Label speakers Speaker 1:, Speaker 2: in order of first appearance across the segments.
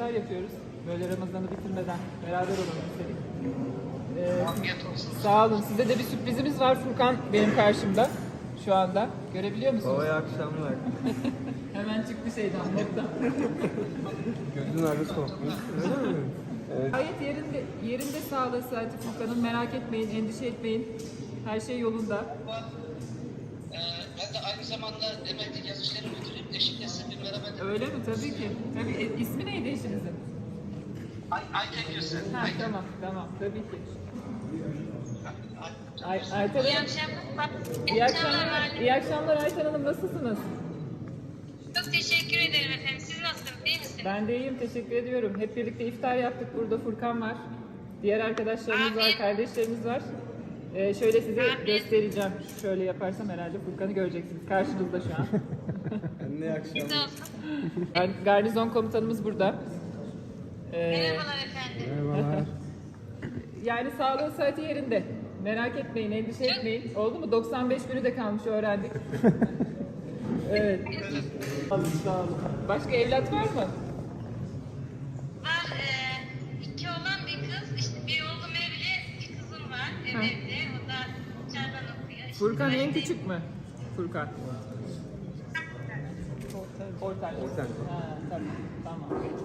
Speaker 1: iftar yapıyoruz. Böyle Ramazan'ı bitirmeden beraber olalım istedik.
Speaker 2: Afiyet olsun.
Speaker 1: Sağ olun. Size de bir sürprizimiz var. Furkan benim karşımda şu anda. Görebiliyor musunuz?
Speaker 3: Babaya akşamlar.
Speaker 1: Hemen çıktı şeyden, moddan.
Speaker 3: Gözün arası kokmuş. Öyle mi? Evet.
Speaker 1: Gayet yerinde sağlığı saati Furkan'ın. Merak etmeyin, endişe etmeyin. Her şey yolunda.
Speaker 2: Ben de aynı zamanda Demet'in yaz işleri müdürüyüm. Eşimle size bir merhaba dedim.
Speaker 1: Öyle mi? Tabii ki. Tabii. İsmi neydi eşinizin?
Speaker 2: Ayten Gülsen.
Speaker 1: Ha, tamam, tamam. Tabii ki. Ayten
Speaker 4: İyi
Speaker 1: Hanım.
Speaker 4: akşamlar.
Speaker 1: İyi akşamlar. İyi akşamlar Ayten Hanım. Nasılsınız?
Speaker 4: Çok teşekkür ederim efendim. Siz nasılsınız? İyi misiniz?
Speaker 1: Ben de iyiyim. Teşekkür ediyorum. Hep birlikte iftar yaptık. Burada Furkan var. Diğer arkadaşlarımız var,
Speaker 4: Afiyet.
Speaker 1: kardeşlerimiz var. Şöyle size
Speaker 4: Afiyet.
Speaker 1: göstereceğim. Şöyle yaparsam herhalde Furkan'ı göreceksiniz. Karşınızda şu an.
Speaker 3: Anne akşam.
Speaker 4: Siz olsun.
Speaker 1: Garnizon komutanımız burada.
Speaker 4: Merhabalar efendim.
Speaker 3: Merhabalar.
Speaker 1: Yani sağlığı saati yerinde. Merak etmeyin, endişe etmeyin. Oldu mu? 95 günü de kalmış, öğrendik. Evet. Başka evlat var mı?
Speaker 4: Var 2 oğlan bir kız. İşte bir oğlum evli, bir kızım var evde. O da dışarıdan okuyor. İşte
Speaker 1: Furkan en
Speaker 4: üniversite-
Speaker 1: küçük mü? Furkan. Ortak.
Speaker 3: Ortak.
Speaker 1: Ha, tamam.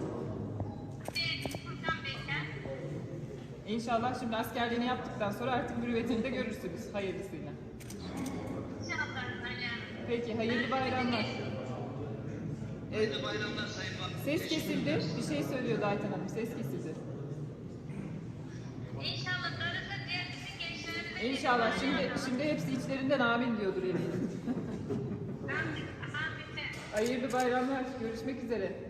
Speaker 4: Furkan bekar.
Speaker 1: İnşallah şimdi askerliğini yaptıktan sonra artık mürüvvetini de görürsünüz hayırlısıyla.
Speaker 4: İnşallah öyle.
Speaker 1: Peki, hayırlı bayramlar.
Speaker 2: Hayırlı bayramlar Sayın Valim.
Speaker 1: Ses kesildi. Bir şey söylüyordu Ayten Hanım. Ses kesildi.
Speaker 4: İnşallah darısı diğer bütün gençlerimize.
Speaker 1: İnşallah. Şimdi hepsi içlerinden amin diyordur eminim.
Speaker 4: Amin.
Speaker 1: Hayırlı bayramlar. Görüşmek üzere.